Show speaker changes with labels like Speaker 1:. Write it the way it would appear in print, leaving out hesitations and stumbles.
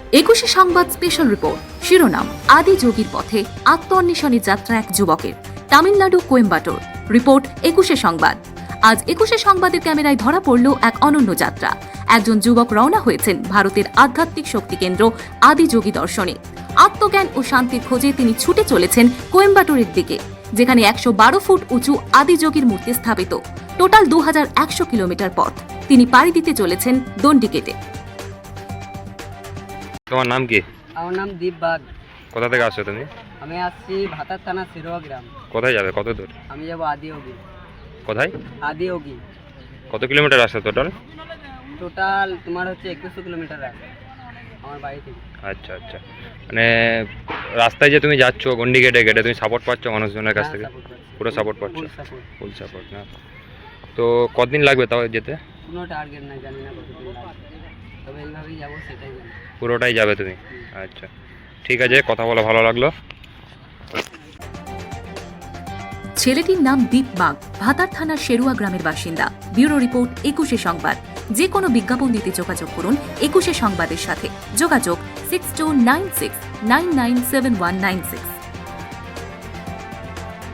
Speaker 1: একুশে সংবাদ special report. শিরোনাম: আদি যোগীর পথে আত্মঅন্বেষণের যাত্রা এক যুবকের, তামিলনাড়ু কোয়েম্বাটোর। রিপোর্ট একুশে সংবাদ। আজ একুশে সংবাদের ক্যামেরায় ধরা পড়ল এক অনন্য যাত্রা। একজন যুবক রওনা হয়েছেন ভারতের আধ্যাত্মিক শক্তি কেন্দ্র আদি যোগী দর্শনে। আত্মজ্ঞান ও শান্তির খোঁজে তিনি ছুটে চলেছেন কোয়েম্বাটোরের দিকে, যেখানে 112 ফুট উঁচু আদি যোগীর মূর্তি স্থাপিত। টোটাল 2100 কিলোমিটার পথ তিনি পাড়ি দিতে চলেছেন দণ্ডি কেটে।
Speaker 2: তোমার নাম কি?
Speaker 3: আমার নাম দীপ বাগ।
Speaker 2: কোথা থেকে আসছো তুমি?
Speaker 3: আমি আসছি ভাতার থানা সিরোয়া গ্রাম।
Speaker 2: কোথায় যাবে? কত দূর?
Speaker 3: আমি যাব আদিয়োগী।
Speaker 2: কোথায়?
Speaker 3: আদিয়োগী।
Speaker 2: কত কিলোমিটার আসছে টোটাল?
Speaker 3: টোটাল তোমার হচ্ছে 2100 কিলোমিটার আছে আমার বাড়ি থেকে। আচ্ছা
Speaker 2: আচ্ছা, মানে রাস্তায় যে তুমি যাচ্ছ গন্ডি কেটে কেটে, তুমি সাপোর্ট পাচ্ছ মানুষজনের কাছ থেকে? পুরো সাপোর্ট পাচ্ছ? ফুল সাপোর্ট না? তো কতদিন লাগবে তাও যেতে?
Speaker 3: কোনো টার্গেট নাই, জানি না কতদিন লাগবে, তবে এইভাবেই যাবো, সেটাই জানি।
Speaker 2: পুরোটাই যাবে তুমি? আচ্ছা, ঠিক আছে, কথা বলা ভালো লাগলো।
Speaker 1: ছেলেটির নাম দীপ বাগ, ভাতার থানার শেরুয়া গ্রামের বাসিন্দা। ব্যুরো রিপোর্ট একুশে সংবাদ। যে কোনো বিজ্ঞাপন দিতে যোগাযোগ করুন একুশে সংবাদের সাথে। যোগাযোগ 6296997196।